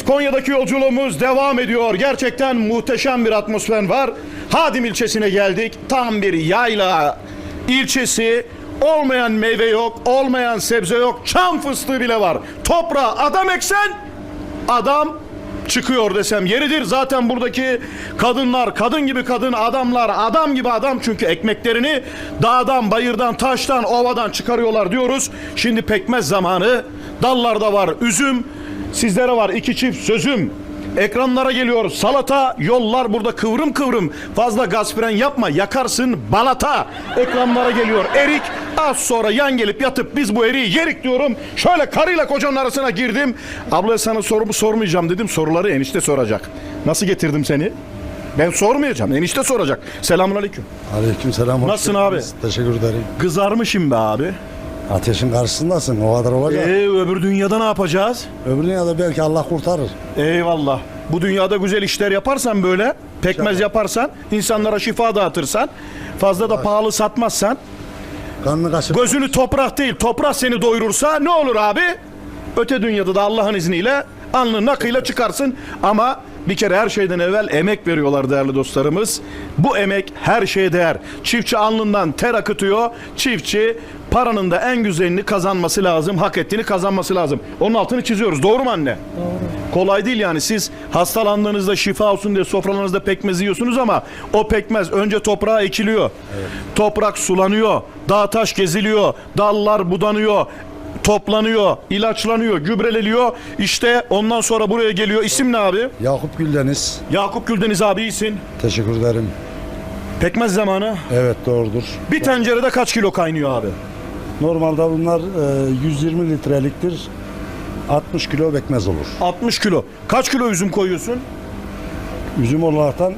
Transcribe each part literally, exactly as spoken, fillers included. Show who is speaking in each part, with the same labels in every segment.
Speaker 1: Konya'daki yolculuğumuz devam ediyor. Gerçekten muhteşem bir atmosfer var. Hadim ilçesine geldik. Tam bir yayla ilçesi. Olmayan meyve yok, olmayan sebze yok. Çam fıstığı bile var. Toprağa adam eksen adam çıkıyor desem yeridir. Zaten buradaki kadınlar kadın gibi kadın, adamlar adam gibi adam, çünkü ekmeklerini dağdan, bayırdan, taştan, ovadan çıkarıyorlar diyoruz. Şimdi pekmez zamanı. Dallarda var üzüm, sizlere var iki çift sözüm. Ekranlara geliyor salata, yollar burada kıvrım kıvrım. Fazla gaz fren yapma, yakarsın balata. Ekranlara geliyor erik. Az sonra yan gelip yatıp biz bu eriği yerik diyorum. Şöyle karıyla kocanın arasına girdim. Abla sana sorumu sormayacağım dedim. Soruları enişte soracak. Nasıl getirdim seni? Ben sormayacağım. Enişte soracak. Selamünaleyküm.
Speaker 2: Aleykümselam.
Speaker 1: Nasılsın abi?
Speaker 2: Teşekkür ederim.
Speaker 1: Kızarmışım be abi.
Speaker 2: Ateşin karşısındasın, o kadar olacak.
Speaker 1: Ee, öbür dünyada ne yapacağız?
Speaker 2: Öbür dünyada belki Allah kurtarır.
Speaker 1: Eyvallah. Bu dünyada güzel işler yaparsan, böyle pekmez
Speaker 2: İnşallah.
Speaker 1: yaparsan, insanlara şifa dağıtırsan, fazla da pahalı satmazsan,
Speaker 2: Kanını kaşıp
Speaker 1: gözünü toprak değil toprak seni doyurursa ne olur abi? Öte dünyada da Allah'ın izniyle alnın nakıyla çıkarsın. Ama bir kere her şeyden evvel emek veriyorlar değerli dostlarımız. Bu emek her şeye değer. Çiftçi alnından ter akıtıyor. Çiftçi paranın da en güzelini kazanması lazım. Hak ettiğini kazanması lazım. Onun altını çiziyoruz. Doğru mu anne? Doğru. Kolay değil yani. Siz hastalandığınızda şifa olsun diye sofralarınızda pekmez yiyorsunuz ama o pekmez önce toprağa ekiliyor. Evet. Toprak sulanıyor. Dağ taş geziliyor. Dallar budanıyor. Toplanıyor, ilaçlanıyor, gübreleniyor. İşte ondan sonra buraya geliyor. İsim ne abi?
Speaker 2: Yakup Güldeniz.
Speaker 1: Yakup Güldeniz abi, iyisin.
Speaker 2: Teşekkür ederim.
Speaker 1: Pekmez zamanı.
Speaker 2: Evet, doğrudur.
Speaker 1: Bir tencerede kaç kilo kaynıyor abi?
Speaker 2: Normalde bunlar e, yüz yirmi litreliktir. altmış kilo pekmez olur.
Speaker 1: altmış kilo. Kaç kilo üzüm koyuyorsun?
Speaker 2: Üzüm olaraktan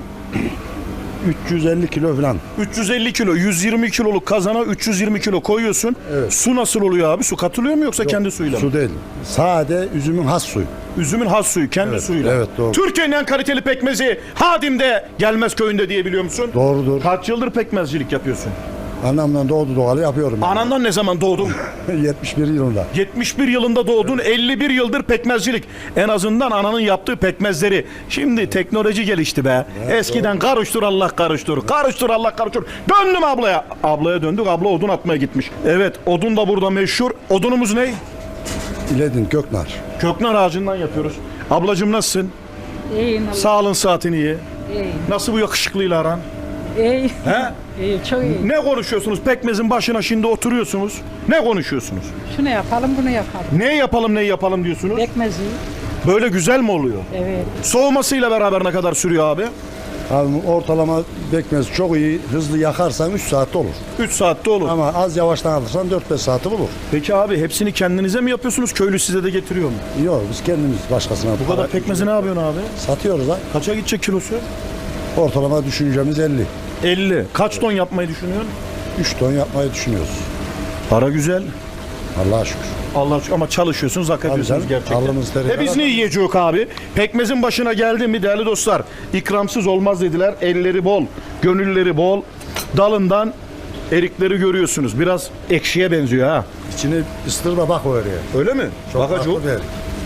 Speaker 2: üç yüz elli kilo falan.
Speaker 1: üç yüz elli kilo. yüz yirmi kiloluk kazana üç yüz yirmi kilo koyuyorsun.
Speaker 2: Evet.
Speaker 1: Su nasıl oluyor abi? Su katılıyor mu yoksa
Speaker 2: Yok,
Speaker 1: kendi suyuyla mı?
Speaker 2: Su değil. Sade üzümün has suyu.
Speaker 1: Üzümün has suyu, kendi
Speaker 2: Evet,
Speaker 1: suyuyla.
Speaker 2: evet, doğru.
Speaker 1: Türkiye'nin en kaliteli pekmezi Hadim'de, Gelmez köyünde diye biliyor musun?
Speaker 2: Doğrudur.
Speaker 1: Kaç yıldır pekmezcilik yapıyorsun?
Speaker 2: Annemden doğdu doğalı yapıyorum. yani.
Speaker 1: Anandan ne zaman doğdun?
Speaker 2: yetmiş bir yılında.
Speaker 1: yetmiş bir yılında doğdun, elli bir yıldır pekmezcilik. En azından ananın yaptığı pekmezleri. Şimdi teknoloji gelişti be. Eskiden karıştır Allah karıştır, karıştır Allah karıştır. Döndüm ablaya. Ablaya döndük, abla odun atmaya gitmiş. Evet, odun da burada meşhur. Odunumuz ne?
Speaker 2: İledin Göknar.
Speaker 1: Köknar ağacından yapıyoruz. Ablacığım nasılsın?
Speaker 3: İyiyim Allah.
Speaker 1: Sağlığın saatin iyi.
Speaker 3: İyiyim.
Speaker 1: Nasıl bu yakışıklıyla aran?
Speaker 3: İyi.
Speaker 1: He?
Speaker 3: İyi, çok iyi.
Speaker 1: Ne konuşuyorsunuz? Pekmezin başına şimdi oturuyorsunuz. Ne konuşuyorsunuz?
Speaker 3: Şunu yapalım, bunu yapalım.
Speaker 1: Ne yapalım, ne yapalım diyorsunuz?
Speaker 3: Pekmezi.
Speaker 1: Böyle güzel mi oluyor?
Speaker 3: Evet.
Speaker 1: Soğumasıyla beraber ne kadar sürüyor abi?
Speaker 2: Abi ortalama pekmez çok iyi, hızlı yakarsan üç saatte olur.
Speaker 1: üç saatte olur.
Speaker 2: Ama az yavaştan alırsan dört beş saati bulur.
Speaker 1: Peki abi hepsini kendinize mi yapıyorsunuz? Köylü size de getiriyor mu?
Speaker 2: Yok, biz kendimiz başkasına.
Speaker 1: Bu kadar pekmezi ne yapıyorsun abi?
Speaker 2: Satıyoruz ha.
Speaker 1: Kaça gidecek kilosu?
Speaker 2: Ortalama düşüncemiz elli.
Speaker 1: elli. Kaç ton yapmayı düşünüyorsun?
Speaker 2: üç ton yapmayı düşünüyoruz.
Speaker 1: Para güzel.
Speaker 2: Allah'a şükür.
Speaker 1: Allah aşkına, ama çalışıyorsunuz, hak ediyorsunuz
Speaker 2: canım,
Speaker 1: gerçekten.
Speaker 2: alnımız teriyle
Speaker 1: E biz ne yiyeceğiz abi? Pekmezin başına geldi mi değerli dostlar? İkramsız olmaz dediler. Elleri bol, gönülleri bol. Dalından erikleri görüyorsunuz. Biraz ekşiye benziyor ha.
Speaker 2: İçini ıstır da bak oraya.
Speaker 1: Öyle mi?
Speaker 2: Çok
Speaker 1: Bakacı.
Speaker 2: farklı bir erik.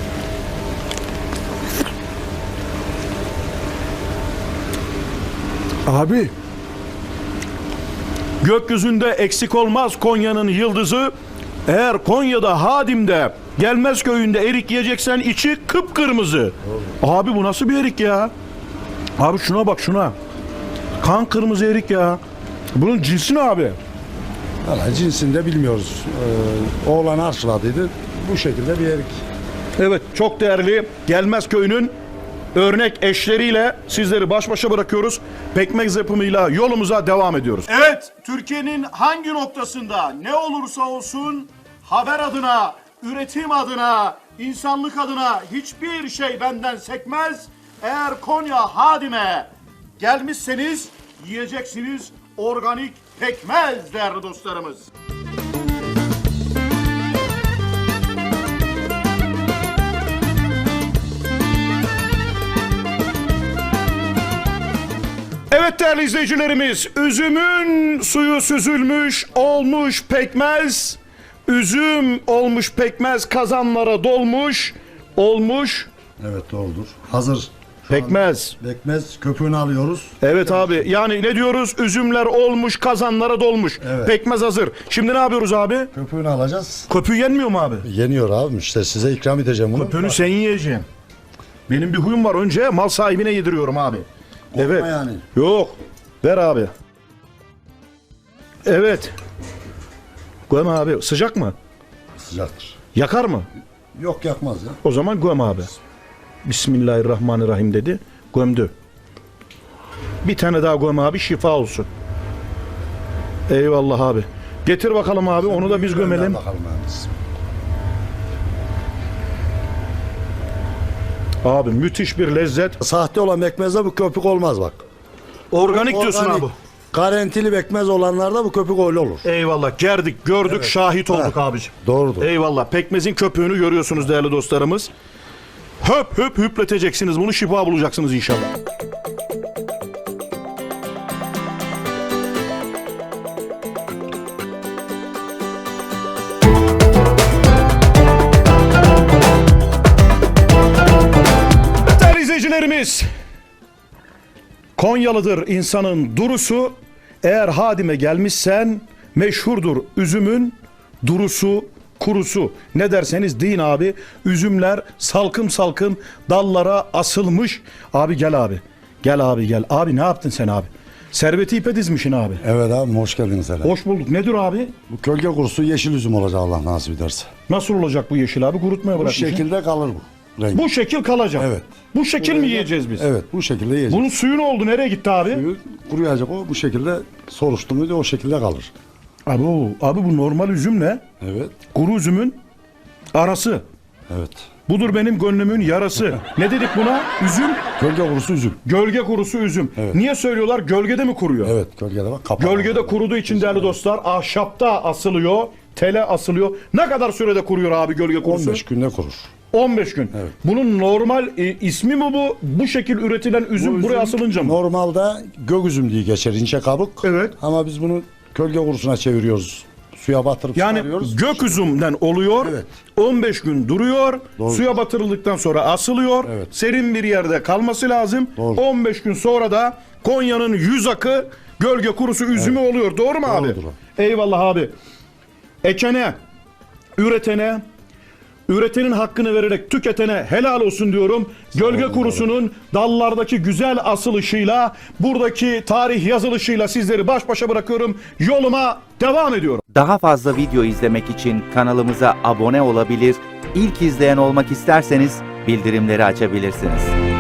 Speaker 1: Abi, gökyüzünde eksik olmaz Konya'nın yıldızı. Eğer Konya'da, Hadim'de, Gelmez köyünde erik yiyeceksen içi kıpkırmızı. Abi bu nasıl bir erik ya? Abi şuna bak, şuna. Kan kırmızı erik ya. Bunun cinsi ne abi?
Speaker 2: Valla cinsini de bilmiyoruz. Ee, oğlan arşladıydı. Bu şekilde bir erik.
Speaker 1: Evet, çok değerli Gelmez köyünün örnek eşleriyle sizleri baş başa bırakıyoruz. Pekmez yapımıyla yolumuza devam ediyoruz. Evet, Türkiye'nin hangi noktasında ne olursa olsun haber adına, üretim adına, insanlık adına hiçbir şey benden sekmez. Eğer Konya Hadim'e gelmişseniz yiyeceksiniz organik pekmez değerli dostlarımız. Evet değerli izleyicilerimiz, üzümün suyu süzülmüş, olmuş pekmez, üzüm olmuş pekmez kazanlara dolmuş, olmuş
Speaker 2: Evet doğrudur. Hazır. Şu
Speaker 1: Pekmez.
Speaker 2: an Pekmez köpüğünü alıyoruz.
Speaker 1: Evet abi. Yani ne diyoruz? Üzümler olmuş, kazanlara dolmuş.
Speaker 2: Evet.
Speaker 1: Pekmez hazır. Şimdi ne yapıyoruz abi?
Speaker 2: Köpüğünü alacağız.
Speaker 1: Köpüğü yenmiyor mu abi?
Speaker 2: Yeniyor abi. İşte size ikram edeceğim bunu.
Speaker 1: Köpüğünü sen yiyeceksin. Benim bir huyum var. Önce mal sahibine yediriyorum abi. Evet.
Speaker 2: yani.
Speaker 1: Yok. Ver abi. Evet. Göm abi. Sıcak mı?
Speaker 2: Sıcaktır.
Speaker 1: Yakar mı?
Speaker 2: Yok yakmaz ya.
Speaker 1: O zaman göm abi. Bismillahirrahmanirrahim dedi. Gömdü. Bir tane daha göm abi, şifa olsun. Eyvallah abi. Getir bakalım abi, onu da biz gömelim.
Speaker 2: Bakalım abi.
Speaker 1: Abi müthiş bir lezzet.
Speaker 2: Sahte olan pekmezde bu köpük olmaz bak.
Speaker 1: Organik diyorsun
Speaker 2: Organik,
Speaker 1: abi.
Speaker 2: Garantili pekmez olanlarda bu köpük öyle olur.
Speaker 1: Eyvallah. Gerdik, gördük, şahit olduk abicim.
Speaker 2: Doğrudur.
Speaker 1: Eyvallah. Pekmezin köpüğünü görüyorsunuz değerli dostlarımız. Höp höp hüpleteceksiniz. Bunu şifa bulacaksınız inşallah. Değerli izleyicilerimiz, Konyalıdır insanın durusu. Eğer Hadim'e gelmişsen meşhurdur üzümün durusu, kurusu. Ne derseniz deyin abi. Üzümler salkım salkım dallara asılmış. Abi gel abi. Gel abi gel. Abi ne yaptın sen abi? Serveti ipe dizmişsin abi.
Speaker 2: Evet abi hoş geldiniz hele.
Speaker 1: Hoş bulduk. Nedir abi?
Speaker 2: Bu kölge kurusu yeşil üzüm olacak Allah nasip ederse.
Speaker 1: Nasıl olacak bu yeşil abi? Kurutmaya
Speaker 2: Bu
Speaker 1: bırakmışsın.
Speaker 2: şekilde kalır bu. Renk.
Speaker 1: Bu şekil kalacak.
Speaker 2: Evet.
Speaker 1: Bu şekil mi yiyeceğiz biz?
Speaker 2: Evet bu şekilde yiyeceğiz.
Speaker 1: Bunun suyu ne oldu? Nereye gitti abi?
Speaker 2: Suyu kuruyacak o bu şekilde soruştu muydu o şekilde kalır.
Speaker 1: Abi, o, abi bu normal üzüm ne?
Speaker 2: Evet.
Speaker 1: Kuru üzümün arası.
Speaker 2: Evet.
Speaker 1: Budur benim gönlümün yarası. Ne dedik buna? Üzüm,
Speaker 2: Gölge kurusu üzüm.
Speaker 1: gölge kurusu üzüm.
Speaker 2: Evet.
Speaker 1: Niye söylüyorlar? Gölgede mi kuruyor?
Speaker 2: Evet gölgede bak kapalı.
Speaker 1: Gölgede kuruduğu için değerli dostlar ahşapta asılıyor, tele asılıyor. Ne kadar sürede kuruyor abi gölge kurusu?
Speaker 2: on beş günde kurur.
Speaker 1: on beş gün.
Speaker 2: Evet.
Speaker 1: Bunun normal e, ismi mi bu? Bu şekil üretilen üzüm,
Speaker 2: Bu
Speaker 1: buraya
Speaker 2: üzüm
Speaker 1: asılınca mı?
Speaker 2: Normalde gök üzüm diye geçer ince kabuk.
Speaker 1: Evet.
Speaker 2: Ama biz bunu gölge kurusuna çeviriyoruz. Suya batırıp
Speaker 1: Yani
Speaker 2: çıkarıyoruz.
Speaker 1: gök üzümden oluyor.
Speaker 2: Evet.
Speaker 1: on beş gün duruyor.
Speaker 2: Doğru.
Speaker 1: Suya batırıldıktan sonra asılıyor.
Speaker 2: Evet.
Speaker 1: Serin bir yerde kalması lazım.
Speaker 2: Doğru.
Speaker 1: on beş gün sonra da Konya'nın yüz akı gölge kurusu üzümü oluyor. Doğru mu abi?
Speaker 2: Doğrudur o.
Speaker 1: Eyvallah abi. Ekene, üretene, üretenin hakkını vererek tüketene helal olsun diyorum. Gölge kurusunun dallardaki güzel asılışıyla, buradaki tarih yazılışıyla sizleri baş başa bırakıyorum. Yoluma devam ediyorum.
Speaker 4: Daha fazla video izlemek için kanalımıza abone olabilir, ilk izleyen olmak isterseniz bildirimleri açabilirsiniz.